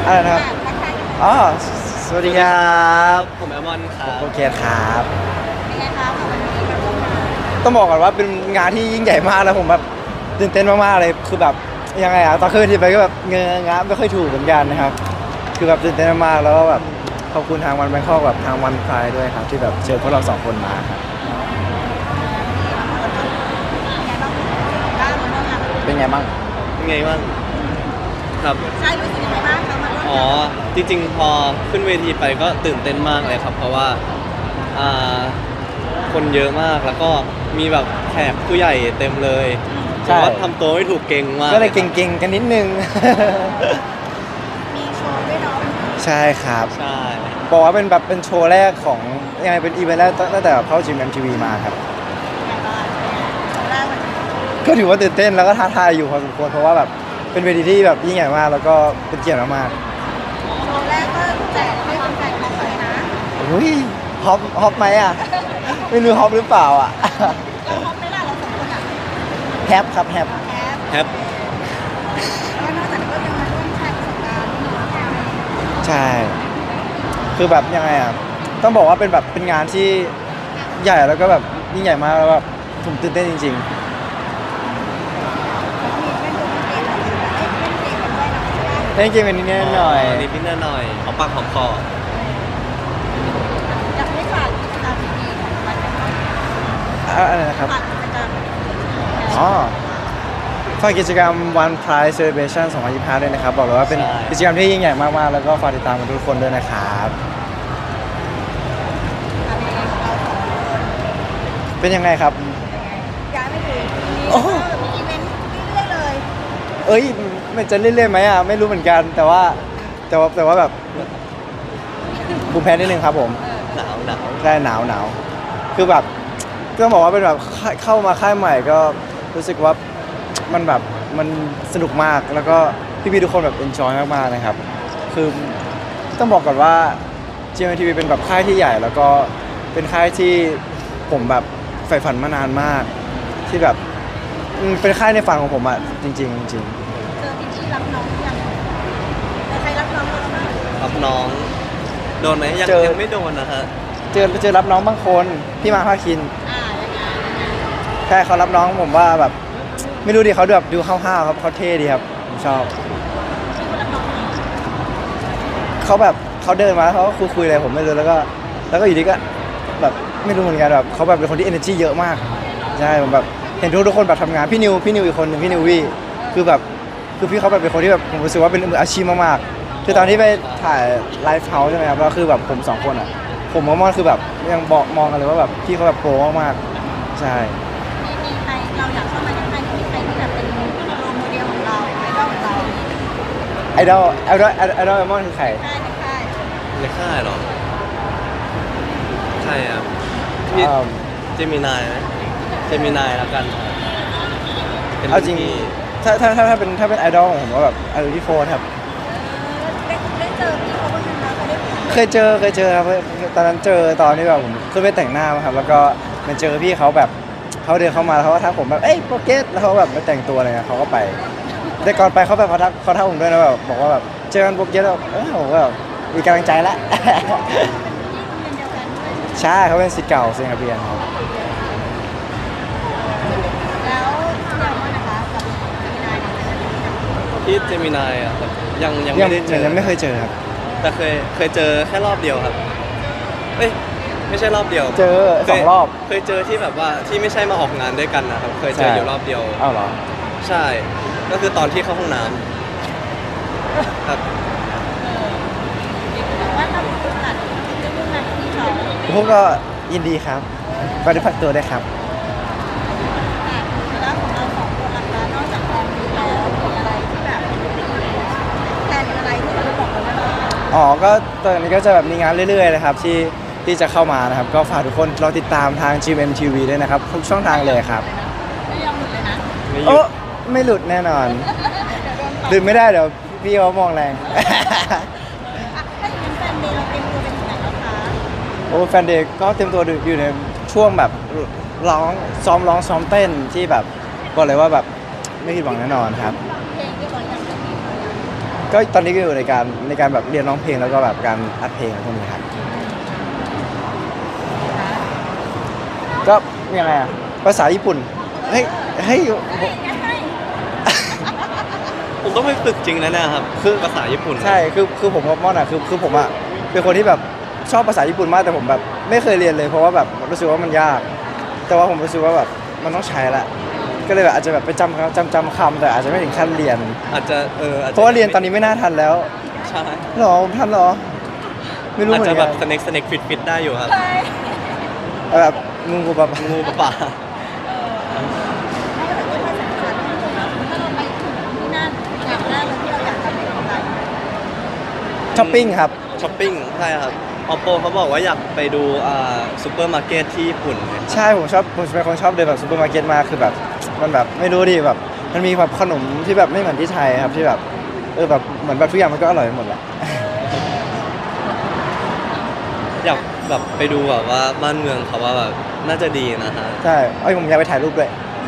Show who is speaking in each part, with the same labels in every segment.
Speaker 1: อะไรนะครับอ๋อสวัสดีครับ
Speaker 2: ผมแอมอนครับ
Speaker 1: โอเคครับ
Speaker 3: เป็นไงคะวันนี้มาร่วมงาน
Speaker 1: ต้องบอกก่อนว่าเป็นงานที่ยิ่งใหญ่มากแล้วผมแบบตื่นเต้นมากๆเลยคือแบบยังไงอะตอนขึ้นที่ไปก็แบบเงงะไม่ค่อยถูกเหมือนกันนะครับคือแบบตื่นเต้นมากๆแล้วก็แบบขอบคุณทางวันแบงคอกแบบทางวันพายด้วยครับที่แบบเชิญพวกเราสองคนมาครับเป็นไงบ้าง
Speaker 2: เป็นไงบ้างครับ
Speaker 3: ใช่รู้สึกยังไงบ้างคะมาร่วม
Speaker 2: อ๋อจริงๆพอขึ้นเวทีไปก็ตื่นเต้นมากเลยครับเพราะว่าอ่าคนเยอะมากแล้วก็มีแบบแขกผู้ใหญ่เต็มเลยแต่ว่าทำตัวไม่ถูกเก่งมาก
Speaker 1: ก็เลยเก่งๆกันนิดนึง
Speaker 3: มีโชว์ด้วยเนาะ
Speaker 1: ใช่ครับ
Speaker 2: ใช่
Speaker 1: บอกว่าเป็นแบบเป็นโชว์แรกของยังไงเป็นอีเวนต์แรกตั้งแต่เข้าจิม MTV มาครับ
Speaker 3: อย่างไรโชว์แรกวันนี้
Speaker 1: ก็ถือว่าตื่นเต้นแล้วก็ท้าทายอยู่พอสมควรเพราะว่าแบบเป็นเวทีที่แบบยิ่งใหญ่มากแล้วก็เป็นเกียรติมาก
Speaker 3: โชว์แรกก็แจกให้แฟนๆเลยนะ
Speaker 1: ๆอุ้ยฮอปไหมอ่ะ ไม่รู้ฮอปหรือเปล่าอ่ะ
Speaker 3: เราพร้อมไหมล่ะเราสองคนอ่ะ
Speaker 1: แฮปครับแฮป
Speaker 3: แอป
Speaker 2: แฮป
Speaker 3: แล้วนอกจากนี้ก็ยังมาร่วมแชร์ประสบการณ์ที่น้องแชร์
Speaker 1: ใช่คือแบบยังไงอ่ะต้องบอกว่าเป็นแบบเป็นงานที่ใหญ่แล้วก็แบบยิ่งใหญ่มากแล้วแบบผมตื่นเต้นจริงๆเล่นเกมเป็นนิดหน่อย
Speaker 2: นิดๆหน่อยๆหอมปากหอมคอ
Speaker 3: อยากให้ฝากกิจกรรมดีๆของวันนี้
Speaker 1: อะไรนะครับ
Speaker 3: ฝากกิจกรรม
Speaker 1: อ๋อฝากกิจกรรม One Prize Celebration 2025ด้วยนะครับบอกเลยว่าเป็นกิจกรรมที่ยิ่งใหญ่มากๆแล้วก็ฝากติดตามกันทุกคนด้วยนะครับเป็นยังไงครับ
Speaker 3: ย้ายไม่ถึงมี
Speaker 1: โอ้
Speaker 3: มีอีเวนต์เรื่อยๆเลย
Speaker 1: เอ้ยมันจะเรื่อยๆไหมอ่ะไม่รู้เหมือนกันแต่ว่าแบบภูมิแพ้นิดนึงครับผม
Speaker 2: หนาว
Speaker 1: ใช่หนาวคือแบบต้องบอกว่าเป็นแบบเข้ามาค่ายใหม่ก็รู้สึกว่ามันแบบมันสนุกมากแล้วก็พี่ๆทุกคนแบบเอนจอยมากๆนะครับคือต้องบอกก่อนว่า GMMTV เป็นแบบค่ายที่ใหญ่แล้วก็เป็นค่ายที่ผมแบบใฝ่ฝันมานานมากที่แบบเป็นค่ายในฝันของผมอ่ะจริงๆจริง
Speaker 3: เจอพี่ๆรับน้องยังใครรับน้องเราบ้าง
Speaker 2: รับน้องโดนไหมยังไม่โดนนะฮะ
Speaker 1: เจอรับน้องบางคนพี่มาภาคิน
Speaker 3: ยังไง
Speaker 1: ใช่เขารับน้องผมว่าแบบไม่รู้ดิเขาแบบดูห้าวๆครับเขาเท่ดีครับผมชอบเขาแบบเขาเดินมาแล้วเขาก็คุยอะไรผมไม่รู้แล้วก็อยู่ดีก็แบบไม่รู้เหมือนกันแบบเขาแบบเป็นคนที่ energy เยอะมากใช่ผมแบบเห็นทุกคนแบบทำงานพี่นิวอีกคนหนึ่งพี่นิววี่คือแบบคือพี่เขาแบบเป็นคนที่แบบผมรู้สึกว่าเป็นมืออาชีพมากๆคือตอนที่ไปถ่ายไลฟ์เฮาส์ใช่ไหมครับแล้วคือแบบผมสองคนอ่ะผมกับมอนคือแบบยังบอกมองกันเลยว่าแบบพี่เขาแบบโปรมากๆใช่
Speaker 3: มีใครเราอยากเข้ามาในค่ายมีใครที่แบบเป็นโรลโมเดลของเราไอดอลของเรา
Speaker 1: ไอดอลเอมอนคือใคร
Speaker 3: ค่ายในค่าย
Speaker 2: ในค่ายเหรอใช่ครับพี่เจมินายไหมเจมินายแล้วกันเป็น
Speaker 1: เอาจริง
Speaker 2: พี่
Speaker 1: ถ้าเป็นไอดอลของผมก็แบบไอดอลที่โฟร์ครับ
Speaker 3: ได้เจอพี่เขาบ้างไหมคะได้
Speaker 1: เคยเจอครับตอนนั้นเจอตอนที่แบบผมขึ้นไปแต่งหน้ามาครับแล้วก็มันเจอพี่เขาแบบเขาเดินเข้ามาแล้วเขาก็ทักผมแบบเอ้ยโปรเกสแล้วเขาแบบมาแต่งตัวอะไรเงี้ยเขาก็ไปแต่ก่อนไปเขาแบบเขาทักผมด้วยนะแบบบอกว่าแบบเจอกันโปรเกสแล้วผมก็แบบมีกำลังใจแล้ว
Speaker 3: เป็นที่โรงเรียนเดียวกันด้วย
Speaker 1: ใช่เขาเป็นศิษย์เก่าเซนคาเบียนครับ
Speaker 3: แล้วเดี๋ยวว่านะคะกับมีนายเนี่ย
Speaker 2: พี่เจมินายอ่ะยังไม่ได้เจอ
Speaker 1: ยังไม่เคยเจอครับ
Speaker 2: แต่เคยเจอแค่รอบเดียวครับเอ้ยไม่ใช่รอบเดียว
Speaker 1: เจอสองรอบ
Speaker 2: เคยเจอที่แบบว่าที่ไม่ใช่มาออกงานด้วยกันนะครับเคยเจออยู่รอบเดียว
Speaker 1: อ้าวเหรอ
Speaker 2: ใช่ ก็คือตอนที่เข้าห้องน้ำครับ
Speaker 3: ว่าทำคุณตัดเรื่องงานที่เขา
Speaker 1: พวกก็ยินดีครับก็ได้พักตัวได้วยครับ
Speaker 3: แล้วของเราสองคนล่ะคะนอกจากแฟนมีแล้วมีอะไรที่แบบแฟนอะไรที่เราบอกกันได้บ้าง
Speaker 1: อ๋อก็ตอนนี้ก็จะแบบมีงานเรื่อยๆนะครับที่จะเข้ามานะครับก็ฝากทุกคนรอติดตามทาง GMMTV ด้วยนะครับทุกช่องทางเลยครับ
Speaker 3: ไม่ยอมหลุดเลยนะ
Speaker 2: ไม่หยุ
Speaker 1: โอ้
Speaker 2: ด
Speaker 1: ไม่หลุดแน่นอน
Speaker 3: เดี๋ยวโดนปรับ
Speaker 1: หลุดไม่ได้เดี๋ยวพี่เขามองแรง
Speaker 3: ถ้าอย่างนั้นแฟนเดย์เราเตรียมตัวเป็นถึงไหนแล้วคะ
Speaker 1: โอ้แฟนเด็กก็เตรียมตัวอยู่ในช่วงแบบร้องซ้อมเต้นที่แบบบอกเลยว่าแบบไม่ผิดหวังแน่นอนครับ
Speaker 3: เพลงที่เราอยากจะมี
Speaker 1: ก็ตอนนี้ก็อยู่ในการแบบเรียนร้องเพลงแล้วก็แบบการอัดเพลงอะไรพวกนี้ครับก็ยังไงอะภาษาญี่ปุ่นเฮ้ยเฮ้ย
Speaker 2: ผมต้องไปฝึกจริงนะเนี่ยครับคือภาษาญี่ปุ่น
Speaker 1: ใช่คือผมกับม่อนอะคือผมอะเป็นคนที่แบบชอบภาษาญี่ปุ่นมากแต่ผมแบบไม่เคยเรียนเลยเพราะว่าแบบรู้สึกว่ามันยาก แต่ว่าผมรู้สึกว่าแบบมันต้องใช้ละก็เลยแบบอาจจะแบบไปจำคำแต่อาจจะไม่ถึงขั้นเรียน
Speaker 2: อาจจะอาจจะ
Speaker 1: เพราะว่าเรียนตอนนี้ไม่น่าทันแล้ว
Speaker 2: ใช่
Speaker 1: หรอผมทันหรอไม่รู้
Speaker 2: อาจ
Speaker 1: เหมือ
Speaker 2: จะ
Speaker 1: น
Speaker 2: แบ
Speaker 1: กับ น
Speaker 2: สเน็กฟิตได้อยู่ครับ
Speaker 1: แบบงูกับแบบ
Speaker 2: งูป่า
Speaker 3: ไม่แต่ก็ไม่สำคัญถ้าเราไปถึงที่นั่นอย่างแรกเลยที่เราอยากทำเป็นอะไร
Speaker 1: ช้อปปิ้งครับ
Speaker 2: ช้อปปิ้งใช่ครับ Oppo เขาบอกว่าอยากไปดูซูเปอร์มาร์เก็ตที่ญี่ปุ่น
Speaker 1: ใช่ผมเป็นคนชอบเดินแบบซูเปอร์มาร์เก็ตมากคือแบบมันแบบไม่รู้ดิแบบมันมีแบบขนมที่แบบไม่เหมือนที่ไทยครับที่แบบแบบเหมือนแบบทุกอย่างมันก็อร่อยไปหมดแหละ
Speaker 2: อยากแบบไปดูแบบว่าบ้านเมืองเขาว่าแบบน่าจะดีนะฮะ
Speaker 1: ใช่ผมอยากไปถ่ายรูปด้วย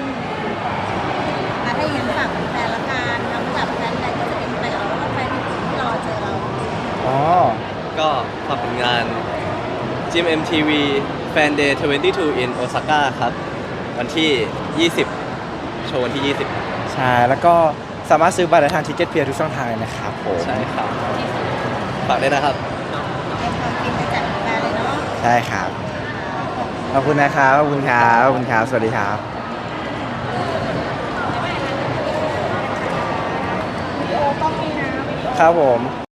Speaker 3: ถ้าอย่างนั้นฝากแฟนละกันทั้งแบบแฟนใดก็จะเป็นแฟนเราแล้วก็แฟนที่รอเจอเรา
Speaker 1: อ๋อ
Speaker 2: ก็ฝากผลงาน GMMTV Fan Day 22 in Osaka ครับ วันที่ 20 โชว์วันที่
Speaker 1: ใช่แล้วก็สามารถซื้อบัตรได้ทางทิกเก็ตเพียร์ทุกช่องทางเลยนะครับผม
Speaker 2: 20 ใช่ครับ ฝากด้วยนะครับ
Speaker 3: เป็นความฟินไปจากแฟนเลยเนาะ
Speaker 1: ใช่ครับขอบคุณนะครับขอบคุณครับขอบคุณครับสวัสดีครับ
Speaker 3: วิดีโอต้องมีนะ
Speaker 1: ครับผม